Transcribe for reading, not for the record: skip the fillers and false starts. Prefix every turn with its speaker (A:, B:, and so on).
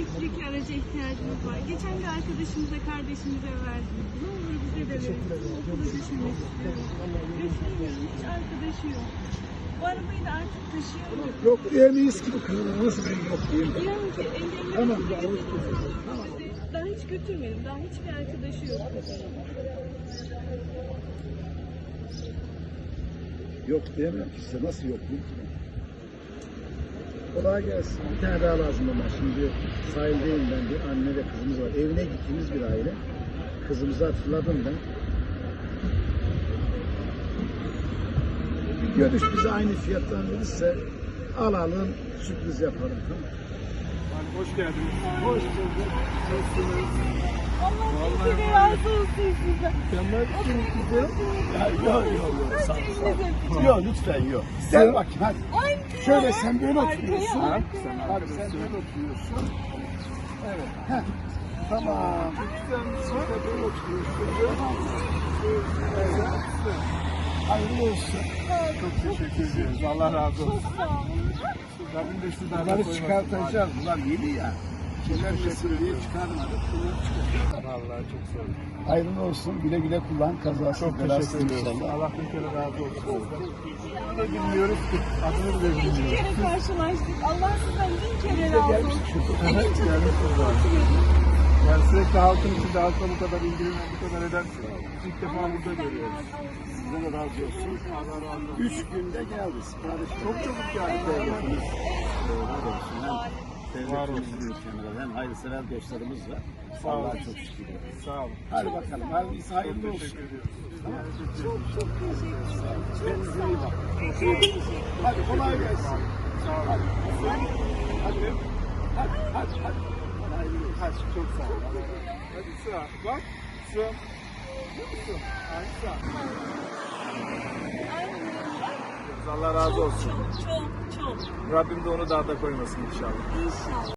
A: sürekli araca ihtiyacımız var. Geçen de arkadaşımıza, kardeşimize verdik. Ne olur bize de verin. Okula götürmek istiyorum. Götüremiyorum. Hiç arkadaşı yok. Bu arabayı da artık taşıyamıyorum.
B: Yok diyemeyiz ki bu kızın. Nasıl ben yok diyeyim?
A: Diyorum ki engelli
B: Tamam.
A: daha hiç götürmedim. Daha hiçbir arkadaşı yok.
B: Yok diyemem ki size. Nasıl yok diyeyim ki? Kolay gelsin. Bir tane daha lazım ama şimdi sahildeyim ben, bir anne ve kızımız var. Evine gittiğimiz bir aile. Kızımızı hatırladım ben. Bir görüş bize aynı fiyattan verirse alalım, sürpriz yapalım. Tamam.
C: Hoş geldiniz.
B: Hoş bulduk. Nasılsınız?
A: Allah bin kere razı olsun sizden.
B: Mükemmel kızım. Yok. Sağ ol. Yok lütfen yok. Gel bakayım hadi. Şöyle sen böyle oturuyorsun.
A: Arkaya.
B: Hadi sen böyle oturuyorsun. Evet. Heh. Tamam. Sen de böyle oturuyorsun. Evet. Hayırlı olsun.
C: Çok teşekkür ediyoruz. Allah razı olsun.
A: Çok sağ olun.
C: Rabbim de sizden
B: Bunları çıkartacağız. Bunlar yeni ya. Şeyler mesul diye çıkarmadık. Bunları çıkartacağız.
C: Vallahi çok sağ olun.
B: Hayırlı olsun. Güle güle kullan. Kazası
C: Çok
B: belasız
C: teşekkür ediyoruz.
B: inşallah.
C: Allah bin kere razı olsun sizden. Ne bilmiyoruz ki. Adını bile
A: İki
C: bilmiyoruz.
A: kere karşılaştık. Allah sizden bin kere razı olsun.
C: Evet, gelmişsiniz zaten. Yani sürekli halkın içinde halkla bu kadar ilgilenen, bu kadar edersiniz. İlk defa burada görüyoruz.
B: Size de razı olsun.
C: Allah razı olsun.
B: 3 günde geldi. Sipariş
C: Çok çabuk geldi.
B: devletimiz var olsun. Hem
C: Var
B: devletimizin ülkemizde hem hayırsever dostlarımız var.
C: Sağ olun.
B: Allah'a çok şükür.
C: Sağ olun.
B: Hadi bakalım. Hadi hayırlı olsun.
C: Teşekkür ediyoruz.
A: Çok teşekkür ederim. Çok
B: Kendinize
A: sağ
B: iyi
A: olun.
B: bakın.
A: Çok teşekkür ederim.
B: Hadi kolay gelsin.
C: Sağ olun.
B: Hadi. Hadi. Hadi. Hayırlı olsun.
C: Hadi çok sağ olun. Hadi sağ. Bak. Şu. Görüyor musun? Aynı sağ. Allah razı olsun.
A: Çok.
C: Rabbim de onu daha da koymasın inşallah.
A: İnşallah.